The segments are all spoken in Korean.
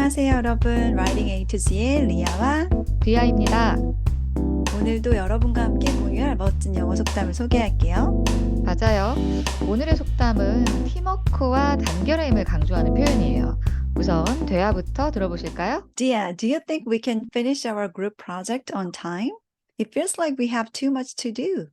안녕하세요, 여러분. Writing A to Z의 리아와 리아입니다. 오늘도 여러분과 함께 공유할 멋진 영어 속담을 소개할게요. 맞아요. 오늘의 속담은 팀워크와 단결의 힘을 강조하는 표현이에요. 우선 대화부터 들어보실까요? Dia, do you think we can finish our group project on time? It feels like we have too much to do.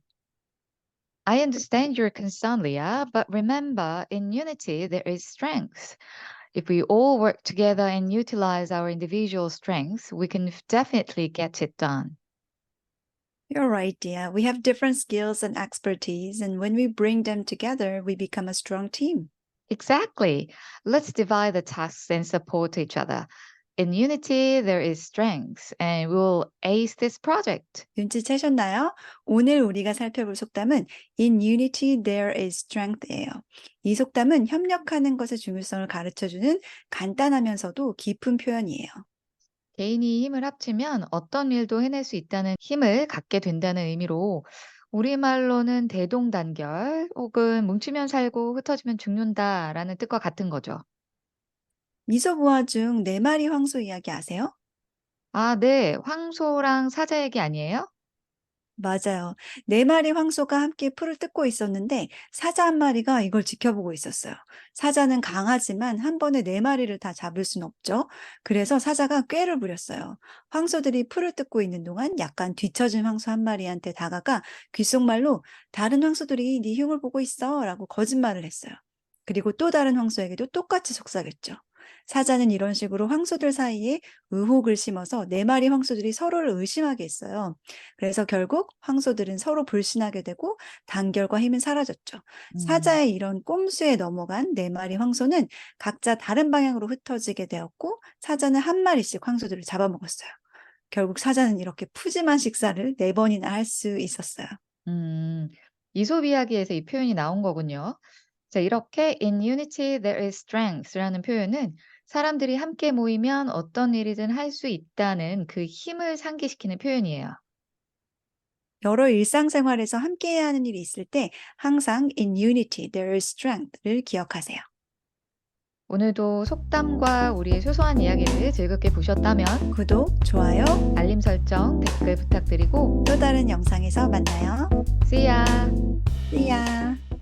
I understand your concern, Leah, but remember, in unity there is strength. If we all work together and utilize our individual strengths, we can definitely get it done. You're right, Dia. We have different skills and expertise, and when we bring them together, we become a strong team. Exactly. Let's divide the tasks and support each other. In unity, there is strength, and we'll ace this project. 눈치채셨나요? 오늘 우리가 살펴볼 속담은 In unity there is strength예요. 이 속담은 협력하는 것의 중요성을 가르쳐주는 간단하면서도 깊은 표현이에요. 개인이 힘을 합치면 어떤 일도 해낼 수 있다는 힘을 갖게 된다는 의미로 우리말로는 대동단결 혹은 뭉치면 살고 흩어지면 죽는다라는 뜻과 같은 거죠. 미소부화 중 네 마리 황소 이야기 아세요? 아, 네. 황소랑 사자 얘기 아니에요? 맞아요. 네 마리 황소가 함께 풀을 뜯고 있었는데 사자 한 마리가 이걸 지켜보고 있었어요. 사자는 강하지만 한 번에 네 마리를 다 잡을 순 없죠. 그래서 사자가 꾀를 부렸어요. 황소들이 풀을 뜯고 있는 동안 약간 뒤처진 황소 한 마리한테 다가가 귓속말로 다른 황소들이 네 흉을 보고 있어 라고 거짓말을 했어요. 그리고 또 다른 황소에게도 똑같이 속삭였죠. 사자는 이런 식으로 황소들 사이에 의혹을 심어서 네 마리 황소들이 서로를 의심하게 했어요. 그래서 결국 황소들은 서로 불신하게 되고 단결과 힘은 사라졌죠. 음, 사자의 이런 꼼수에 넘어간 네 마리 황소는 각자 다른 방향으로 흩어지게 되었고 사자는 한 마리씩 황소들을 잡아먹었어요. 결국 사자는 이렇게 푸짐한 식사를 네 번이나 할 수 있었어요. 음, 이솝 이야기에서 이 표현이 나온 거군요. 자, 이렇게 in unity there is strength라는 표현은 사람들이 함께 모이면 어떤 일이든 할 수 있다는 그 힘을 상기시키는 표현이에요. 여러 일상생활에서 함께해야 하는 일이 있을 때 항상 in unity there is strength를 기억하세요. 오늘도 속담과 우리의 소소한 이야기를 즐겁게 보셨다면 구독, 좋아요, 알림 설정, 댓글 부탁드리고 또 다른 영상에서 만나요. See ya! See ya!